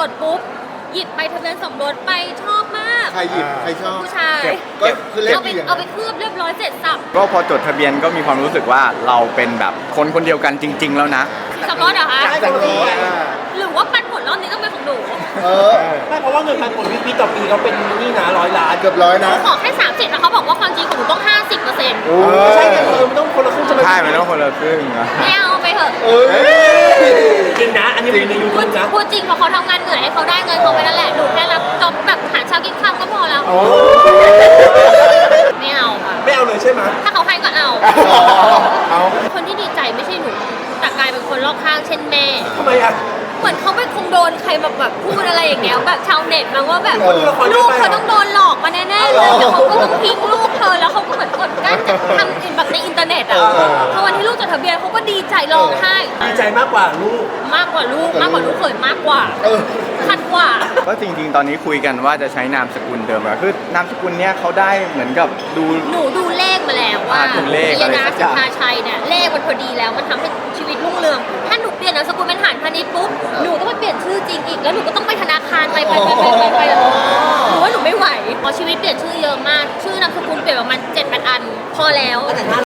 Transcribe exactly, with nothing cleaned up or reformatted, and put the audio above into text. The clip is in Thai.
ดปุ๊บหยิบใบทะเบียนสมรสไปชอบมากใครหยิบใครชอบผู้ชายก็คือเลขเอาไปดีอย่างเอาไปเคลือบเรียบร้อยเสร็จสับก็พอจดทะเบียนก็มีความรู้สึกว่าเราเป็นแบบคนคนเดียวกันจริง ๆ แล้วนะสมรสเหรอคะจังเลยอ่ะหรือว่าปันผลรอบนี้ต้องเป็นของหนูเออไม่เพราะว่าเงินพันผลวิปีต่อปีเขาเป็นนี่นะร้อยล้านเกือบร้อยนะขอแค่สามสิบแล้วเขาบอกว่าความจริงของหนูต้องห้าสิบเปอร์เซ็นต์โอ้ไม่ใช่ไงเออมันต้องคนละครึ่งใช่ไหมใช่มันต้องคนละครึ่งอะไม่เอาไปเถอะเอ้ยจริงนะ อันนี้มันอยู่ในยูพูทูดบนะพูดจริงเพราะเขาทำงานเหนื่อยให้เขาได้เงินเขาไปนั่นแหละหนูแค่รับจอบแบบหาเช้ากินค่ำก็พอแล้วไม่เอาค่ะไม่เอาเลยใช่ไหมถ้าเขาให้ก็เอาเอาคนที่ดีใจไม่ใช่หนูแต่กลายเป็นคนรอบข้างเช่นแม่ทำไมอ่ะเหมือนเขาไปคงโดนใครแบบแบบพูดอะไรอย่างเงี้ยแบบชาวเน็ตมาว่าแบบเออลูกเขาต้องโดนหลอกมาแน่ๆเลยแต่เขาก็ต้องทิ้งลูกเธอแล้วเขาก็เหมือนกดกั้นจากทำแบบในอินเทอร์เน็ตอ่ะพอวันที่ลูกจดทะเบียนเขาก็ดีใจร้องไห้ดีใจมากกว่าลูกมากกว่าลูกมากกว่าลูกเขยมากกว่าเออคันกว่าก็จริง ๆ ตอนนี้คุยกันว่าจะใช้นามสกุลเดิมอะคือนามสกุลเนี้ยเขาได้เหมือนกับดูหนูดูเลขมาแล้วว่าอ่าดูเลขยอะไรนาสักอสิย่างทธาชัยเนี่ยเลขมันพอดีแล้วมันทำให้ชีวิตรุ่งเรือง ถ้าหนูเปลี่ยนนามสกุลเป็นหานพาณิชย์ปุ๊บหนูต้องไปเปลี่ยนชื่อจริงอีกแล้วหนูก็ต้องไปธนาคารไปไปไปไปไปไปหนูว่าหนูไม่ไหวเพราะชีวิตเปลี่ยนชื่อเยอะมาก ชื่อนามสกุลเปลี่ยนประมาณเจ็ดแปดอัน พอแล้วแต่ถ้า